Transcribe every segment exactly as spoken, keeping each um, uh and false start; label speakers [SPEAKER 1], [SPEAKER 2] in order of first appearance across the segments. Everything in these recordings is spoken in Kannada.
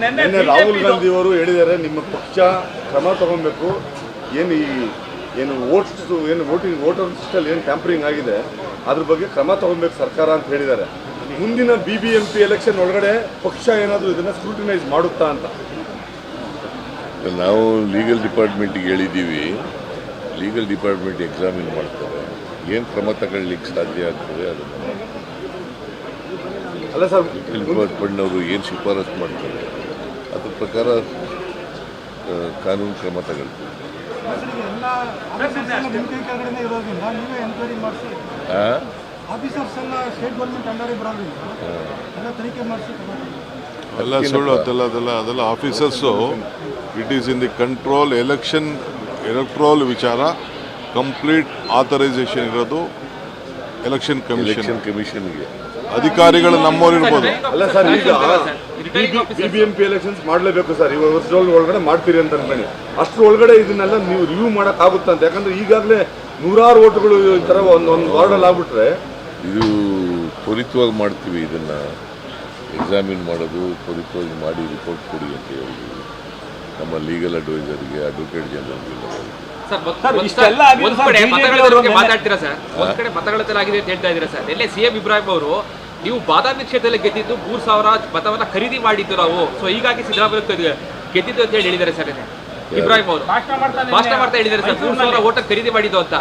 [SPEAKER 1] ನಿನ್ನೆ ರಾಹುಲ್ ಗಾಂಧಿ ಅವರು ಹೇಳಿದ್ದಾರೆ ನಿಮ್ಮ ಪಕ್ಷ ಕ್ರಮ ತಗೊಬೇಕು, ಏನು ಈ ಏನು ವೋಟ್ಸ್ ಏನು ವೋಟಿಂಗ್ ವೋಟರ್ ಲಿಸ್ಟಲ್ಲಿ ಏನು ಟ್ಯಾಂಪರಿಂಗ್ ಆಗಿದೆ ಅದ್ರ ಬಗ್ಗೆ ಕ್ರಮ ತಗೊಬೇಕು ಸರ್ಕಾರ ಅಂತ ಹೇಳಿದ್ದಾರೆ. ಮುಂದಿನ B B M P election ಒಳಗಡೆ ಪಕ್ಷ ಏನಾದರೂ ಇದನ್ನು ಸ್ಕ್ರೂಟಿನೈಸ್ ಮಾಡುತ್ತಾ ಅಂತ
[SPEAKER 2] ನಾವು ಲೀಗಲ್ ಡಿಪಾರ್ಟ್ಮೆಂಟಿಗೆ ಹೇಳಿದ್ದೀವಿ. ಲೀಗಲ್ ಡಿಪಾರ್ಟ್ಮೆಂಟ್ ಎಕ್ಸಾಮಿನ್ ಮಾಡ್ತಾರೆ, ಏನು ಕ್ರಮ ತಗೊಳ್ಳಿಕ್ಕೆ ಸಾಧ್ಯ ಆಗ್ತದೆ ಅದನ್ನು
[SPEAKER 1] ಅಲ್ಲ ಸರ್
[SPEAKER 2] ಲೀಗಲ್ ಡಿಪಾರ್ಟ್ಮೆಂಟ್ನವರು ಏನು ಶಿಫಾರಸು ಮಾಡ್ತಾರೆ ಅದ್ರ ಪ್ರಕಾರ ಕಾನೂನು ಕ್ರಮ ತಗೊಳ್ತೀವಿ.
[SPEAKER 3] ಎಲ್ಲ ಸುಳ್ಳು ಅದೆಲ್ಲ ಅದೆಲ್ಲ ಅದೆಲ್ಲ officers it is in the control election electoral ವಿಚಾರ ಕಂಪ್ಲೀಟ್ ಆಥರೈಸೇಷನ್ ಇರೋದು ಎಲೆಕ್ಷನ್ ಕಮಿಷನ್
[SPEAKER 2] ಕಮಿಷನ್ಗೆ
[SPEAKER 3] ಅಧಿಕಾರಿಗಳು ನಮ್ಮವ್ರು ಇರ್ಬೋದು.
[SPEAKER 1] ಅಲ್ಲ ಸರ್, ಈಗ B B M P elections ಮಾಡಲೇಬೇಕು ಸರ್, ಇವಾಗ ವರ್ಷದ ಒಳಗಡೆ ಮಾಡ್ತೀರಿ ಅಂತ ಅನ್ಬೇಡಿ. ಅಷ್ಟ್ರ ಒಳಗಡೆ ಇದನ್ನೆಲ್ಲ ನೀವು ರಿವ್ಯೂ ಮಾಡೋಕ್ಕಾಗುತ್ತಾ ಅಂತ? ಯಾಕಂದ್ರೆ ಈಗಾಗಲೇ ನೂರಾರು ಓಟ್ಗಳು ಈ ಥರ ಒಂದು ಒಂದು ವಾರ್ಡಲ್ಲಿ ಆಗ್ಬಿಟ್ರೆ
[SPEAKER 2] ಇದು ತ್ವರಿತವಾಗಿ ಮಾಡ್ತೀವಿ. ಇದನ್ನು ಎಕ್ಸಾಮಿನ್ ಮಾಡೋದು ತ್ವರಿತವಾಗಿ ಮಾಡಿ ರಿಪೋರ್ಟ್ ಕೊಡಿ ಅಂತ ಹೇಳಿದ್ವಿ ನಮ್ಮ ಲೀಗಲ್ ಅಡ್ವೈಸರ್ಗೆ, ಅಡ್ವೊಕೇಟ್ ಜನರಲ್ಗೆ.
[SPEAKER 4] ಮಾತಾಡ್ತೀರಾ ಸರ್, ಒಂದ್ ಕಡೆ ಮತಗಳಾಗಿದೆ ಅಂತ ಹೇಳ್ತಾ ಇದ್ದೀರಾ ಸರ್. ಎಲ್ಲೇ ಸಿ ಎಂ ಇಬ್ರಾಹಿಂ ಅವರು ನೀವು ಬಾದಾಮಿ ಕ್ಷೇತ್ರದಲ್ಲಿ ಗೆದ್ದಿದ್ದು ಮೂರು ಸಾವಿರ ಮತವನ್ನ ಖರೀದಿ ಮಾಡಿದ್ದು ನಾವು, ಸೊ ಹೀಗಾಗಿ ಸಿದ್ದರಾಮಯ್ಯ ಗೆದ್ದಿದ್ದು ಅಂತ ಹೇಳಿ ಹೇಳಿದ್ದಾರೆ ಸರ್. ಇಬ್ರಾಹಿಂ ಅವರು ಭಾಷಣ ಮಾಡ್ತಾ ಹೇಳಿದ್ದಾರೆ ಸರ್, ಮೂರು ಸಾವಿರ ಓಟ ಖರೀದಿ ಮಾಡಿದ್ದು ಅಂತ.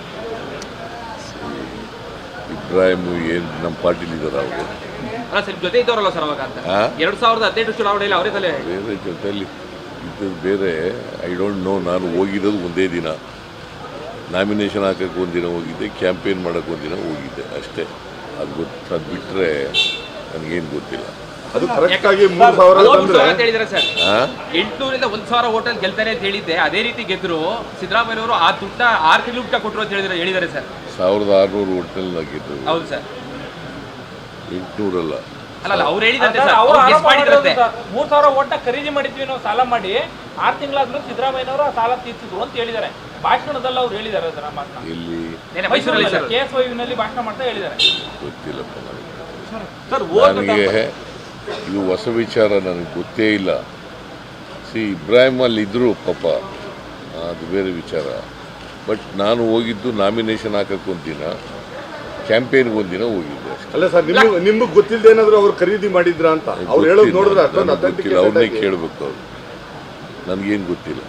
[SPEAKER 2] ಇಬ್ರಾಹಿಂ ಏನು ನಮ್ಮ ಪಾರ್ಟಿಲಿ ಇದ್ದಾರೆ ಅವರು?
[SPEAKER 4] ಅಲ್ಲ ಸರ್, ಜೊತೆ ಇದ್ದವರಲ್ಲ ಸರ್ ಅವಾಗ ಅಂತ. ಎರಡ್ ಸಾವಿರದ ಹದಿನೆಂಟು ಚುನಾವಣೆಯಲ್ಲಿ ಅವರೇ ತಲೆ
[SPEAKER 2] ಬೇರೆ ಜೊತೆಯಲ್ಲಿ ಇದ್ದದ್ದು ಬೇರೆ. I don't know. ನಾನು ಹೋಗಿರೋದು ಒಂದೇ ದಿನ, ನಾಮಿನೇಷನ್ ಹಾಕೋಕ್ಕೆ ಒಂದಿನ ಹೋಗಿದ್ದೆ, ಕ್ಯಾಂಪೇನ್ ಮಾಡೋಕ್ಕೆ ಒಂದಿನ ಹೋಗಿದ್ದೆ ಅಷ್ಟೇ. ಅದು ಗೊತ್ತು, ಅದು ಬಿಟ್ಟರೆ ನನಗೇನು ಗೊತ್ತಿಲ್ಲ.
[SPEAKER 1] ಅದು ಕರೆಕ್ಟಾಗಿ ಮೂರು ಸಾವಿರ
[SPEAKER 4] ಅಂತ ಹೇಳಿದ್ದಾರೆ ಸರ್. ಎಂಟುನೂರಿಂದ ಒಂದ್ ಸಾವಿರ ಹೋಟೆಲ್ ಗೆಲ್ತಾರೆ ಅಂತ ಹೇಳಿದ್ದೆ, ಅದೇ ರೀತಿ ಗೆದ್ರು ಸಿದ್ದರಾಮಯ್ಯ ಅವರು ಆ ದುಡ್ಡ ಆರು ಕಿಲೋಮೀಟರ್ ಕೊಟ್ಟರು ಅಂತ ಹೇಳಿದ್ರೆ ಹೇಳಿದ್ದಾರೆ ಸರ್.
[SPEAKER 2] ಸಾವಿರದ ಆರುನೂರು ಹೋಟೆಲ್ ಗೆದ್ದು.
[SPEAKER 4] ಹೌದು ಸರ್,
[SPEAKER 2] ಎಂಟುನೂರಲ್ಲ.
[SPEAKER 4] ಅಲ್ಲ ಅವ್ರು ಹೇಳಿದಂತೆ
[SPEAKER 5] ಮೂರ್ ಸಾವಿರ ಓಟ ಖರೀದಿ ಮಾಡಿದ್ವಿ ನಾವು ಸಾಲ ಮಾಡಿ, ಆರು ತಿಂಗಳಾದ್ರೂ ಸಿದ್ದರಾಮಯ್ಯನವರು ಆ ಸಾಲ ತೀರ್ಸಿದ್ರು ಅಂತ ಹೇಳಿದ್ದಾರೆ. ಭಾಷಣದಲ್ಲಿ ಅವ್ರು ಹೇಳಿದ್ದಾರೆ ಅದನ್ನ ಮಾತನ್ನ.
[SPEAKER 2] ಎಲ್ಲಿ?
[SPEAKER 4] ಮೈಸೂರಲ್ಲಿ
[SPEAKER 5] ಕೆ ಎಸ್ ವೈ ನಲ್ಲಿ ಭಾಷಣ ಮಾಡ್ತಾ ಹೇಳಿದ್ದಾರೆ.
[SPEAKER 2] ಗೊತ್ತಿಲ್ಲಪ್ಪ ನನಗೆ. ಇದು ಹೊಸ ವಿಚಾರ, ನನಗೆ ಗೊತ್ತೇ ಇಲ್ಲ. ಸಿ, ಇಬ್ರಾಹಿಂ ಅಲ್ಲಿ ಇದ್ರು ಪಾಪ, ಅದು ಬೇರೆ ವಿಚಾರ. ಬಟ್ ನಾನು ಹೋಗಿದ್ದು ನಾಮಿನೇಷನ್ ಹಾಕಕ್ಕೆ ಒಂದಿನ, ಕ್ಯಾಂಪೇನ್ಗೆ ಒಂದಿನ ಹೋಗಿದ್ದೆ ಅಷ್ಟೇ.
[SPEAKER 1] ಅಲ್ಲ ಸರ್, ನಿಮ್ಗೆ ನಿಮ್ಗೆ ಗೊತ್ತಿಲ್ಲದೆ ಏನಾದ್ರು ಅವ್ರು ಖರೀದಿ ಮಾಡಿದ್ರ ಅಂತ ಅವ್ರು ಹೇಳೋದು ನೋಡಿದ್ರೆ
[SPEAKER 2] ಅವ್ರನ್ನೇ ಕೇಳಬೇಕು. ಅವ್ರು ನನಗೇನು ಗೊತ್ತಿಲ್ಲ.